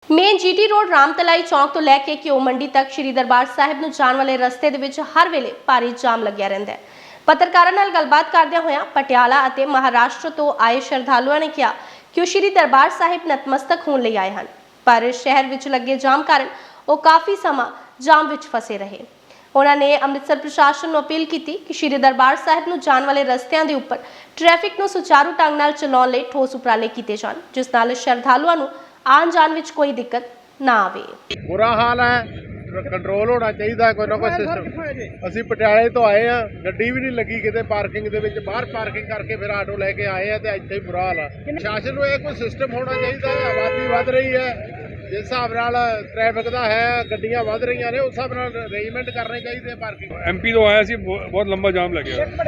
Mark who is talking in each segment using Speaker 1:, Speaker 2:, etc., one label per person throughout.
Speaker 1: Main GT road ਰਾਮਤਲਾਈ ਚੌਂਕ ਤੋਂ ਲੈ ਕੇ ਘਿਓ ਮੰਡੀ ਤੱਕ ਸ਼੍ਰੀ ਦਰਬਾਰ ਸਾਹਿਬ ਨੂੰ ਜਾਣ ਵਾਲੇ ਰਸਤੇ ਦੇ ਵਿੱਚ ਹਰ ਵੇਲੇ ਭਾਰੀ ਜਾਮ ਲੱਗਿਆ ਰਹਿੰਦਾ ਹੈ। ਪੱਤਰਕਾਰਾਂ ਨਾਲ ਗੱਲਬਾਤ ਕਰਦਿਆਂ ਹੋਇਆਂ ਪਟਿਆਲਾ ਅਤੇ ਮਹਾਰਾਸ਼ਟਰ ਤੋਂ ਆਏ ਸ਼ਰਧਾਲੂਆਂ ਨੇ ਕਿਹਾ ਕਿ ਉਹ ਸ਼੍ਰੀ ਦਰਬਾਰ ਸਾਹਿਬ ਨਤਮਸਤਕ ਹੋਣ ਲਈ ਆਏ ਹਨ, ਪਰ ਸ਼ਹਿਰ ਵਿੱਚ ਲੱਗੇ ਜਾਮ ਕਾਰਨ ਉਹ ਕਾਫੀ ਸਮਾਂ ਜਾਮ ਵਿੱਚ ਫਸੇ ਰਹੇ। ਉਹਨਾਂ ਨੇ ਅੰਮ੍ਰਿਤਸਰ ਪ੍ਰਸ਼ਾਸਨ ਨੂੰ ਅਪੀਲ ਕੀਤੀ ਕਿ ਸ਼੍ਰੀ ਦਰਬਾਰ ਸਾਹਿਬ ਨੂੰ ਜਾਣ ਵਾਲੇ ਰਸਤਿਆਂ ਦੇ ਉੱਪਰ ਟ੍ਰੈਫਿਕ ਨੂੰ ਸੁਚਾਰੂ ਢੰਗ ਨਾਲ ਚਲਾਉਣ ਲਈ ਠੋਸ ਉਪਰਾਲੇ ਕੀਤੇ ਜਾਣ, ਜਿਸ ਨਾਲ ਸ਼ਰਧਾਲੂਆਂ ਨੂੰ ਆਉਣ जान विच कोई दिक्कत ना आवे।
Speaker 2: बुरा हाल है, कंट्रोल होना चाहिए कोई ना कोई सिस्टम। असीं पटियाले तो आए हैं, गड्डी भी नहीं लगी किते पार्किंग दे विच, बाहर पार्किंग करके फिर आटो लैके आए हैं ते इत्थे ही बुरा हाल है। प्रशासन को कोई सिस्टम होना चाहिए। आबादी वध रही है, जिस हिसाब नाल ट्रैफिक दा है, गड्डियां वध रही ने, उस हिसाब नाल अरेंजमेंट करने चाहिए पार्किंग।
Speaker 3: एमपी तो आया सी, बहुत लंबा जाम लग गया।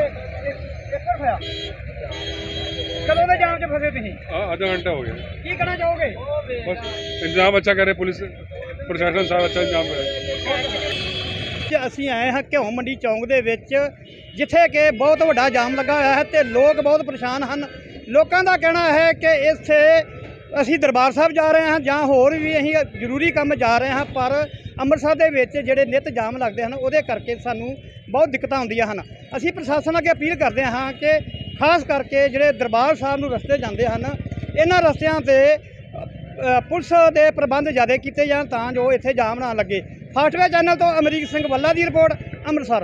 Speaker 4: कदों दे जाम च फसे तुसीं?
Speaker 3: आधा घंटा हो गया।
Speaker 4: की करना चाहोगे?
Speaker 3: बस इंतजाम अच्छा करे, पुलिस प्रशासन सारा अच्छा इंतजाम करे।
Speaker 4: ਅਸੀਂ ਆਏ ਹਾਂ ਘਿਓ ਮੰਡੀ ਚੌਂਕ ਦੇ ਵਿੱਚ, ਜਿੱਥੇ ਕਿ ਬਹੁਤ ਵੱਡਾ ਜਾਮ ਲੱਗਾ ਹੋਇਆ ਹੈ ਤੇ ਲੋਕ ਬਹੁਤ ਪਰੇਸ਼ਾਨ ਹਨ। ਲੋਕਾਂ ਦਾ ਕਹਿਣਾ ਹੈ ਕਿ ਇੱਥੇ ਅਸੀਂ ਦਰਬਾਰ ਸਾਹਿਬ ਜਾ ਰਹੇ ਹਾਂ ਜਾਂ ਹੋਰ ਵੀ ਅਸੀਂ ਜ਼ਰੂਰੀ ਕੰਮ ਜਾ ਰਹੇ ਹਾਂ, ਪਰ ਅੰਮ੍ਰਿਤਸਰ ਦੇ ਵਿੱਚ ਜਿਹੜੇ ਨਿੱਤ ਜਾਮ ਲੱਗਦੇ ਹਨ ਉਹਦੇ ਕਰਕੇ ਸਾਨੂੰ ਬਹੁਤ ਦਿੱਕਤਾਂ ਆਉਂਦੀਆਂ ਹਨ। ਅਸੀਂ ਪ੍ਰਸ਼ਾਸਨ ਅੱਗੇ ਅਪੀਲ ਕਰਦੇ ਹਾਂ ਕਿ ਖਾਸ ਕਰਕੇ ਜਿਹੜੇ ਦਰਬਾਰ ਸਾਹਿਬ ਨੂੰ ਰਸਤੇ ਜਾਂਦੇ ਹਨ, ਇਹਨਾਂ ਰਸਤਿਆਂ 'ਤੇ ਪੁਲਿਸ ਦੇ ਪ੍ਰਬੰਧ ਜ਼ਿਆਦਾ ਕੀਤੇ ਜਾਣ ਤਾਂ ਜੋ ਇੱਥੇ ਜਾਮ ਨਾ ਲੱਗੇ। ਫਾਸਟਵੇ ਚੈਨਲ ਤੋਂ ਅਮਰੀਕ ਸਿੰਘ ਵੱਲਾ ਦੀ ਰਿਪੋਰਟ, ਅੰਮ੍ਰਿਤਸਰ।